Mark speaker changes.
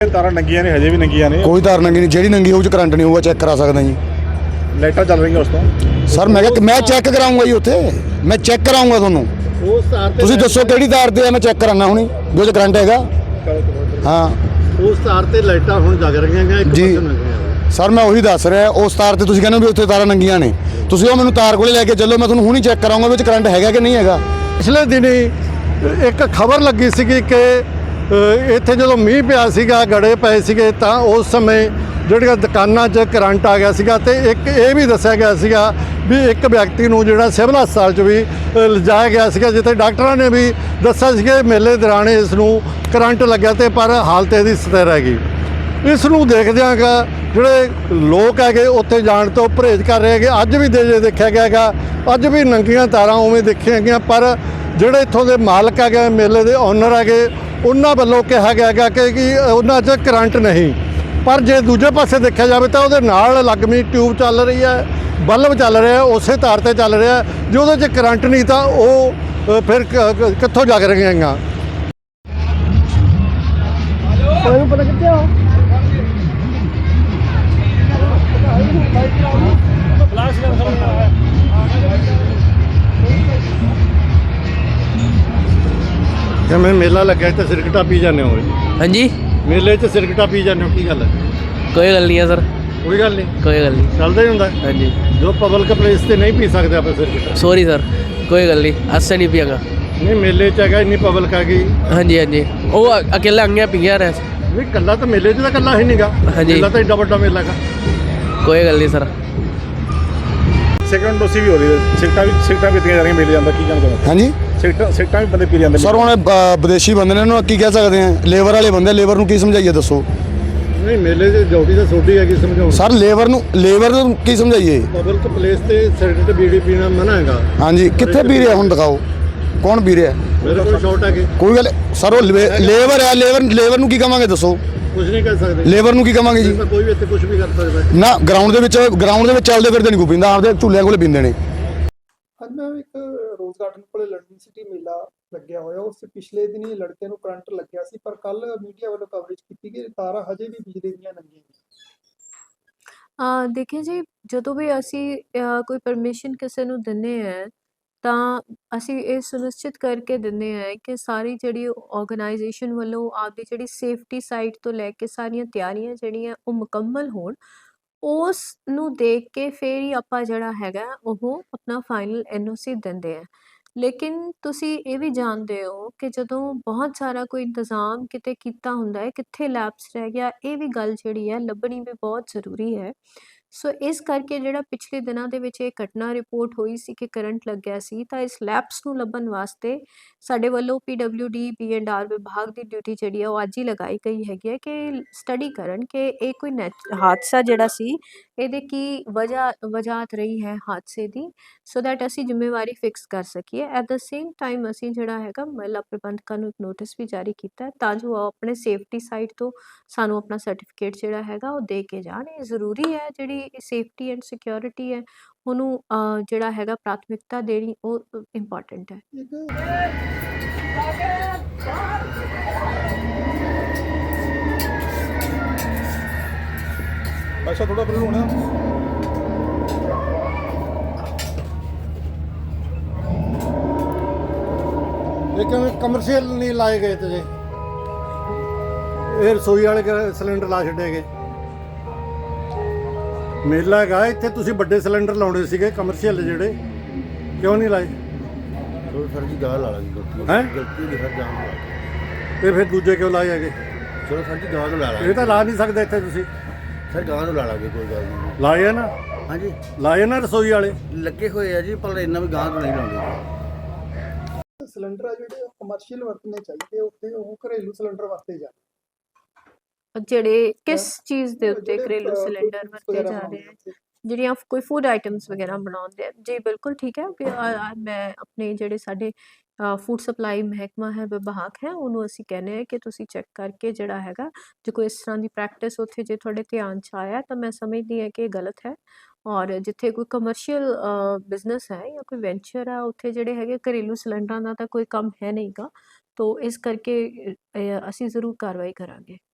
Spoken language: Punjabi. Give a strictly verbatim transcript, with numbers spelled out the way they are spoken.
Speaker 1: ਤਾਰਾਂ ਨੰਗੀਆਂ ਨੇ, ਹਜੇ ਵੀ ਨੰਗੀਆਂ ਨੇ।
Speaker 2: ਕੋਈ ਤਾਰ ਨੰਗੀ ਨਹੀਂ, ਜਿਹੜੀ ਨੰਗੀ ਹੋਊ ਚ ਕਰੰਟ ਨਹੀਂ ਹੋਊਗਾ, ਚੈੱਕ ਕਰਾ ਸਕਦਾ ਜੀ।
Speaker 1: ਲਾਈਟਾਂ ਚੱਲ ਰਹੀਆਂ ਉਸ ਤੋਂ
Speaker 2: ਸਰ ਮੈਂ ਕਿਹਾ ਮੈਂ ਚੈੱਕ ਕਰਾਉਂਗਾ ਜੀ, ਉੱਥੇ ਮੈਂ ਚੈੱਕ ਕਰਾਉਂਗਾ ਤੁਹਾਨੂੰ।
Speaker 3: ਉਸ ਤਾਰ ਤੇ
Speaker 2: ਤੁਸੀਂ ਦੱਸੋ ਕਿਹੜੀ ਤਾਰ ਤੇ ਆ, ਮੈਂ ਚੈੱਕ ਕਰਾਉਣਾ ਹੁਣੀ ਜੋ ਚ ਕਰੰਟ ਹੈਗਾ। ਹਾਂ
Speaker 3: ਉਸ ਤਾਰ ਤੇ ਲਾਈਟਾਂ ਹੁਣ ਜਗ ਰਹੀਆਂ ਨੇ, ਇੱਕ
Speaker 2: ਜੀ।
Speaker 3: ਪਾਸੇ ਨੰਗੀਆਂ।
Speaker 2: ਸਰ ਮੈਂ ਉਹੀ ਦੱਸ ਰਿਹਾ, ਉਸ ਤਾਰ ਤੇ ਤੁਸੀਂ ਕਹਿੰਦੇ ਵੀ ਉੱਥੇ ਤਾਰਾਂ ਨੰਗੀਆਂ ਨੇ, ਤੁਸੀਂ ਉਹ ਮੈਨੂੰ ਤਾਰ ਕੋਲੇ ਲੈ ਕੇ ਚੱਲੋ, ਮੈਂ ਤੁਹਾਨੂੰ ਹੁਣੀ ਚੈੱਕ ਕਰਾਉਂਗਾ ਵਿੱਚ ਕਰੰਟ ਹੈਗਾ ਕਿ ਨਹੀਂ ਹੈਗਾ।
Speaker 3: ਪਿਛਲੇ ਦਿਨੀ ਇੱਕ ਖਬਰ ਲੱਗੀ ਸੀਗੀ ਕਿ ਅ, ਇੱਥੇ ਜਦੋਂ ਮੀਂਹ ਪਿਆ ਸੀਗਾ, ਗੜੇ ਪਏ ਸੀਗੇ, ਤਾਂ ਉਸ ਸਮੇਂ ਜਿਹੜੀਆਂ ਦੁਕਾਨਾਂ 'ਚ ਕਰੰਟ ਆ ਗਿਆ ਸੀਗਾ। ਤੇ ਇੱਕ ਇਹ ਵੀ ਦੱਸਿਆ ਗਿਆ ਸੀਗਾ ਵੀ ਇੱਕ ਵਿਅਕਤੀ ਨੂੰ ਜਿਹੜਾ ਸਿਵਲ ਹਸਪਤਾਲ 'ਚ ਵੀ ਅ, ਲਿਜਾਇਆ ਗਿਆ ਸੀਗਾ, ਜਿੱਥੇ ਡਾਕਟਰਾਂ ਨੇ ਵੀ ਦੱਸਿਆ ਸੀ ਕਿ ਮੇਲੇ ਦੌਰਾਨ ਇਸ ਨੂੰ ਕਰੰਟ ਲੱਗਿਆ, ਤੇ ਪਰ ਹਾਲਤ ਇਹਦੀ ਸਥਿਰ ਹੈਗੀ। ਇਸ ਨੂੰ ਦੇਖਦਿਆਂ ਗਾ ਜਿਹੜੇ ਲੋਕ ਹੈਗੇ ਉੱਥੇ ਜਾਣ ਤੋਂ ਪਰਹੇਜ਼ ਕਰ ਰਹੇ ਹੈਗੇ। ਅੱਜ ਵੀ ਦੇ ਦੇਖਿਆ ਗਿਆ ਹੈਗਾ, ਅੱਜ ਵੀ ਨੰਗੀਆਂ ਤਾਰਾਂ ਉਵੇਂ ਦੇਖੀਆਂ ਗਈਆਂ, ਪਰ ਜਿਹੜੇ ਇੱਥੋਂ ਦੇ ਮਾਲਕ ਹੈਗੇ, ਮੇਲੇ ਦੇ ਓਨਰ ਹੈਗੇ, ਉਹਨਾਂ ਵੱਲੋਂ ਕਿਹਾ ਗਿਆ ਹੈਗਾ ਕਿ ਕਿ ਉਹਨਾਂ 'ਚ ਕਰੰਟ ਨਹੀਂ। ਪਰ ਜੇ ਦੂਜੇ ਪਾਸੇ ਦੇਖਿਆ ਜਾਵੇ ਤਾਂ ਉਹਦੇ ਨਾਲ ਲੱਗਮੀ ਟਿਊਬ ਚੱਲ ਰਹੀ ਹੈ, ਬਲਬ ਚੱਲ ਰਿਹਾ, ਉਸੇ ਤਾਰ ਤੇ ਚੱਲ ਰਿਹਾ। ਜੇ ਉਹਦੇ 'ਚ ਕਰੰਟ ਨਹੀਂ ਤਾਂ ਉਹ ਅ, ਫਿਰ ਕ- ਕ- ਕਿੱਥੋਂ ਜਗ ਰਹੀਆਂ ਹੈਗੀਆਂ। ਪਤਾ ਕਿੱਥੇ ਆ ਜਿਵੇਂ ਮੇਲਾ ਲੱਗਿਆ ਤੇ ਸਿਰਕਟਾ ਪੀ ਜਾਂਦੇ ਹੋ।
Speaker 4: हाँ जी,
Speaker 3: ਮੇਲੇ 'ਚ ਸਿਰਕਟਾ ਪੀ ਜਾਂਦੇ ਹੋ, ਕੀ ਗੱਲ ਹੈ?
Speaker 4: कोई गल नहीं है सर,
Speaker 3: ਕੋਈ ਗੱਲ ਨਹੀਂ,
Speaker 4: कोई गल नहीं।
Speaker 3: ਚੱਲਦਾ ਹੀ ਹੁੰਦਾ।
Speaker 4: हाँ जी,
Speaker 3: ਜੋ ਪਬਲਿਕ ਪਲੇਸ ਤੇ ਨਹੀਂ ਪੀ ਸਕਦੇ ਆਪਾਂ ਸਿਰਕਟਾ।
Speaker 4: सॉरी सर, कोई गल नहीं, आज से नहीं पियागा।
Speaker 3: ਨਹੀਂ ਮੇਲੇ 'ਚ ਹੈਗਾ, ਇੰਨੀ ਪਬਲਿਕ ਹੈਗੀ।
Speaker 4: हाँ जी हाँ जी, वो अकेला अंगे पिया रहा।
Speaker 3: ਨਹੀਂ ਕੱਲਾ ਤਾਂ ਮੇਲੇ 'ਚ ਤਾਂ ਕੱਲਾ ਹੀ ਨਹੀਂਗਾ,
Speaker 4: ਹਾਂਜੀ।
Speaker 3: ਮੇਲਾ ਤਾਂ ਏਡਾ ਵੱਡਾ ਮੇਲਾ ਹੈਗਾ।
Speaker 4: कोई गल नहीं सर।
Speaker 1: ਸੈਕੰਡ ਡੋਸੀ ਵੀ ਹੋ ਰਹੀ ਹੈ, ਸਿਗਟਾਂ ਵੀ ਸਿਗਟਾਂ ਪੀਤੀਆਂ ਜਾ ਰਹੀਆਂ ਮੇਲੇ ਜਾਂਦਾ। ਕੀ ਜਾਣਦਾ
Speaker 2: ਹਾਂਜੀ
Speaker 1: ਸਿਗਟਾਂ ਸਿਗਟਾਂ ਵੀ ਬੰਦੇ ਪੀ ਜਾਂਦੇ
Speaker 2: ਸਰ ਹੁਣ ਬ- ਵਿਦੇਸ਼ੀ ਬੰਦੇ ਨੇ, ਇਹਨੂੰ ਕੀ ਕਹਿ ਸਕਦੇ ਆ, ਲੇਬਰ ਵਾਲੇ ਬੰਦੇ, ਲੇਬਰ ਨੂੰ ਕੀ ਸਮਝਾਈਏ ਦੱਸੋ।
Speaker 3: ਨਹੀਂ ਮੇਲੇ 'ਚ ਡਿਊਟੀ ਤਾਂ ਛੋਟੀ ਹੈਗੀ, ਸਮਝਾਉਣ।
Speaker 2: ਸਰ ਲੇਬਰ ਨੂੰ ਲੇਬਰ ਨੂੰ ਕੀ ਸਮਝਾਈਏ।
Speaker 3: ਪਬਲਿਕ ਪਲੇਸ ਤੇ ਸਿਗਰਟ ਬੀੜੀ ਪੀਣਾ ਮਨਾ ਹੈਗਾ।
Speaker 2: ਹਾਂਜੀ ਕਿੱਥੇ ਪੀ ਰਿਹਾ ਹੁਣ ਦਿਖਾਓ, ਕੌਣ ਪੀ ਰਿਹਾ।
Speaker 3: ਮੇਰੇ ਕੋਲ ਸ਼ਾਰਟ ਹੈਗੇ,
Speaker 2: ਕੋਈ ਗੱਲ ਸਰ ਉਹ ਲੇਬਰ ਹੈ, ਲੇਬਰ ਲੇਬਰ ਨੂੰ ਕੀ ਕਵਾਂਗੇ ਦੱਸੋ,
Speaker 3: ਕੁਝ ਨਹੀਂ ਕਰ ਸਕਦੇ।
Speaker 2: ਲੇਬਰ ਨੂੰ ਕੀ ਕਵਾਂਗੇ ਜੀ।
Speaker 3: ਤਾਂ ਕੋਈ ਵੀ ਇੱਥੇ ਕੁਝ ਵੀ ਕਰ ਸਕਦਾ।
Speaker 2: ਨਾ ਗਰਾਊਂਡ ਦੇ ਵਿੱਚ ਗਰਾਊਂਡ ਦੇ ਵਿੱਚ ਚੱਲਦੇ ਫਿਰਦੇ ਨਹੀਂ ਕੋਈ ਪੀਂਦਾ, ਆਪਦੇ ਝੂਲਿਆਂ ਕੋਲੇ ਪੀਂਦੇ ਨੇ।
Speaker 5: ਅੱਜ ਮੈਂ ਇੱਕ ਰੋਜ਼ ਗਾਰਡਨ ਕੋਲੇ ਲੰਡਨ ਸਿਟੀ ਮੇਲਾ ਲੱਗਿਆ ਹੋਇਆ, ਉਸ ਪਿਛਲੇ ਦਿਨ ਹੀ ਲੜਕੇ ਨੂੰ ਕਰੰਟ ਲੱਗਿਆ ਸੀ, ਪਰ ਕੱਲ ਮੀਡੀਆ ਵੱਲੋਂ ਕਵਰੇਜ ਕੀਤੀ ਕਿ ਤਾਰਾਂ ਹਜੇ ਵੀ ਬਿਜਲੀ ਦੀਆਂ ਨੰਗੀਆਂ ਨੇ।
Speaker 6: ਅ, ਦੇਖਿਏ ਜੀ, ਜਦੋਂ ਵੀ ਅਸੀਂ ਅ, ਕੋਈ ਪਰਮਿਸ਼ਨ ਕਿਸੇ ਨੂੰ ਦਿੰਦੇ ਹਾਂ ਤਾਂ ਅਸੀਂ ਇਹ ਸੁਨਿਸ਼ਚਿਤ ਕਰਕੇ ਦਿੰਦੇ ਹਾਂ ਕਿ ਸਾਰੀ ਜਿਹੜੀ ਆਰਗੇਨਾਈਜੇਸ਼ਨ ਵੱਲੋਂ ਆਪਦੀ ਜਿਹੜੀ ਸੇਫਟੀ ਸਾਈਡ ਤੋਂ ਲੈ ਕੇ ਸਾਰੀਆਂ ਤਿਆਰੀਆਂ ਜਿਹੜੀਆਂ ਉਹ ਮੁਕੰਮਲ ਹੋਣ। ਉਸ ਨੂੰ ਦੇਖ ਕੇ ਫਿਰ ਹੀ ਆਪਾਂ ਜਿਹੜਾ ਹੈਗਾ ਉਹ ਆਪਣਾ ਫਾਈਨਲ ਐਨ ਓ ਸੀ ਦਿੰਦੇ ਆ। ਲੇਕਿਨ ਤੁਸੀਂ ਇਹ ਵੀ ਜਾਣਦੇ ਹੋ ਕਿ ਜਦੋਂ ਬਹੁਤ ਸਾਰਾ ਕੋਈ ਇੰਤਜ਼ਾਮ ਕਿਤੇ ਕੀਤਾ ਹੁੰਦਾ ਹੈ, ਕਿੱਥੇ ਲੈਪਸ ਰਹਿ ਗਿਆ, ਇਹ ਵੀ ਗੱਲ ਜਿਹੜੀ ਹੈ ਲੱਭਣੀ ਵੀ ਬਹੁਤ ਜ਼ਰੂਰੀ ਹੈ। ਸੋ ਇਸ ਕਰਕੇ ਜਿਹੜਾ ਪਿਛਲੇ ਦਿਨਾਂ ਦੇ ਵਿੱਚ ਇਹ ਘਟਨਾ ਰਿਪੋਰਟ ਹੋਈ ਸੀ ਕਿ ਕਰੰਟ ਲੱਗਿਆ ਸੀ, ਤਾਂ ਇਸ ਲੈਪਸ ਨੂੰ ਲੱਭਣ ਵਾਸਤੇ ਸਾਡੇ ਵੱਲੋਂ P W D B and R ਵਿਭਾਗ ਦੀ ਡਿਊਟੀ ਜਿਹੜੀ ਹੈ ਉਹ ਅੱਜ ਹੀ ਲਗਾਈ ਗਈ ਹੈਗੀ ਹੈ ਕਿ ਸਟੱਡੀ ਕਰਨ ਕਿ ਇਹ ਕੋਈ ਨੈਚ ਹਾਦਸਾ ਜਿਹੜਾ ਸੀ ਇਹਦੇ ਕੀ ਵਜ੍ਹਾ ਵਜਾਹਤ ਰਹੀ ਹੈ ਹਾਦਸੇ ਦੀ, ਸੋ ਦੈਟ ਅਸੀਂ ਜ਼ਿੰਮੇਵਾਰੀ ਫਿਕਸ ਕਰ ਸਕੀਏ। ਐਟ ਦ ਸੇਮ ਟਾਈਮ ਅਸੀਂ ਜਿਹੜਾ ਹੈਗਾ ਮਹਿਲਾ ਪ੍ਰਬੰਧਕਾਂ ਨੂੰ ਇੱਕ ਨੋਟਿਸ ਵੀ ਜਾਰੀ ਕੀਤਾ ਹੈ ਤਾਂ ਜੋ ਉਹ ਆਪਣੇ ਸੇਫਟੀ ਸਾਈਡ ਤੋਂ ਸਾਨੂੰ ਆਪਣਾ ਸਰਟੀਫਿਕੇਟ ਜਿਹੜਾ ਹੈਗਾ ਉਹ ਦੇ ਕੇ ਜਾਣ। ਇਹ ਜ਼ਰੂਰੀ ਹੈ, ਜਿਹੜੀ ਸੇਫਟੀ ਐਂਡ ਸਿਕਿਉਰਿਟੀ ਹੈ ਉਹਨੂੰ ਅ, ਜਿਹੜਾ ਹੈਗਾ ਪ੍ਰਾਥਮਿਕਤਾ ਦੇਣੀ ਉਹ ਇੰਪੋਰਟੈਂਟ ਹੈ।
Speaker 1: ਅੱਛਾ ਥੋੜਾ ਪਰੇ ਹੋਣਾ।
Speaker 3: ਇਹ ਕਿਵੇਂ ਕਮਰਸ਼ੀਅਲ ਨਹੀਂ ਲਾਏ ਗਏ ਤੇ ਜੇ ਇਹ ਰਸੋਈ ਵਾਲੇ ਕ- ਸਿਲੰਡਰ ਲਾ ਛੱਡੇ ਗਏ। ਮੇਲਾ ਹੈਗਾ ਇੱਥੇ, ਤੁਸੀਂ ਵੱਡੇ ਸਿਲੰਡਰ ਲਾਉਣੇ ਸੀਗੇ ਕਮਰਸ਼ੀਅਲ ਜਿਹੜੇ, ਕਿਉਂ ਨਹੀਂ ਲਾਏ?
Speaker 7: ਚਲੋ ਸਰ ਜੀ ਗਾਹ ਲਾ ਲਾਂਗੇ, ਗਲਤੀ
Speaker 3: ਹੈਂ?
Speaker 7: ਗਲਤੀ ਨਹੀਂ ਸਰ, ਗਾਹ ਲਾ
Speaker 3: ਤੇ ਫਿਰ ਦੂਜੇ ਕਿਉਂ ਲਾਏ ਹੈਗੇ?
Speaker 7: ਚਲੋ ਸਰ ਜੀ ਗਾਹ ਨੂੰ ਲਾ
Speaker 3: ਇਹ
Speaker 7: ਲਾਂਗੇ
Speaker 3: ਤਾਂ ਲਾ ਨਹੀਂ ਸਕਦੇ ਇੱਥੇ ਤੁਸੀਂ।
Speaker 7: ਸਰ, ਗਾਹ ਨੂੰ ਲਾ ਲਾਂਗੇ, ਕੋਈ ਗੱਲ ਨਹੀਂ।
Speaker 3: ਲਾਏ ਆ ਨਾ,
Speaker 7: ਹਾਂਜੀ
Speaker 3: ਲਾਏ ਨਾ ਰਸੋਈ ਵਾਲੇ।
Speaker 7: ਲੱਗੇ ਹੋਏ ਆ ਜੀ, ਪਰ ਇੰਨਾ ਵੀ ਗਾਹ ਤੋਂ ਨਹੀਂ ਲਾਉਂਦੇ।
Speaker 5: ਸਿਲੰਡਰ ਆ ਜਿਹੜੇ ਕਮਰਸ਼ੀਅਲ ਵਰਤਣੇ ਚਾਹੀਦੇ, ਉੱਥੇ ਉਹ ਘਰੇਲੂ ਸਿਲੰਡਰ ਵਰਤੇ ਜਾਣ।
Speaker 6: ਜਿਹੜੇ ਕਿਸ ਚੀਜ਼ ਦੇ ਉੱਤੇ
Speaker 5: ਜਿਹੜੇ,
Speaker 6: ਘਰੇਲੂ
Speaker 5: ਅ,
Speaker 6: ਸਿਲੰਡਰ
Speaker 5: foods
Speaker 6: ਵਰਤੇ
Speaker 5: ਵਗੈਰਾ
Speaker 6: ਜਾ
Speaker 5: ਬਣਾਉਂਦੇ
Speaker 6: ਰਹੇ
Speaker 5: ਆ
Speaker 6: ਹੈ,
Speaker 5: ਉੱਥੇ।
Speaker 6: ਜਿਹੜੀਆਂ ਕੋਈ ਫੂਡ ਆਈਟਮਸ ਵਗੈਰਾ ਬਣਾਉਂਦੇ ਆ ਜੀ, ਬਿਲਕੁਲ ਠੀਕ ਹੈ ਕਿ ਅ, ਅ, ਮੈਂ ਆਪਣੇ ਜਿਹੜੇ ਸਾਡੇ ਫੂਡ ਸਪਲਾਈ ਮਹਿਕਮਾ ਹੈ, ਵਿਭਾਗ ਹੈ, ਉਹਨੂੰ ਅਸੀਂ ਕਹਿੰਦੇ ਹਾਂ ਕਿ ਤੁਸੀਂ ਚੈੱਕ ਕਰਕੇ ਜਿਹੜਾ ਹੈਗਾ ਜੇ ਕੋਈ ਇਸ ਤਰ੍ਹਾਂ ਦੀ ਪ੍ਰੈਕਟਿਸ ਉੱਥੇ ਜੇ ਤੁਹਾਡੇ ਧਿਆਨ 'ਚ ਆਇਆ ਤਾਂ ਮੈਂ ਸਮਝਦੀ ਹਾਂ ਕਿ ਇਹ ਗਲਤ ਹੈ। ਔਰ ਜਿੱਥੇ ਕੋਈ ਕਮਰਸ਼ੀਅਲ ਬਿਜ਼ਨਸ ਹੈ ਜਾਂ ਕੋਈ ਵੈਂਚਰ ਹੈ, ਉੱਥੇ ਜਿਹੜੇ ਹੈਗੇ ਘਰੇਲੂ ਸਿਲੰਡਰਾਂ ਦਾ ਤਾਂ ਕੋਈ ਕੰਮ ਹੈ ਨਹੀਂਗਾ, ਤੋ ਇਸ ਕਰਕੇ ਅ, ਅਸੀਂ ਜ਼ਰੂਰ ਕਾਰਵਾਈ ਕਰਾਂਗੇ।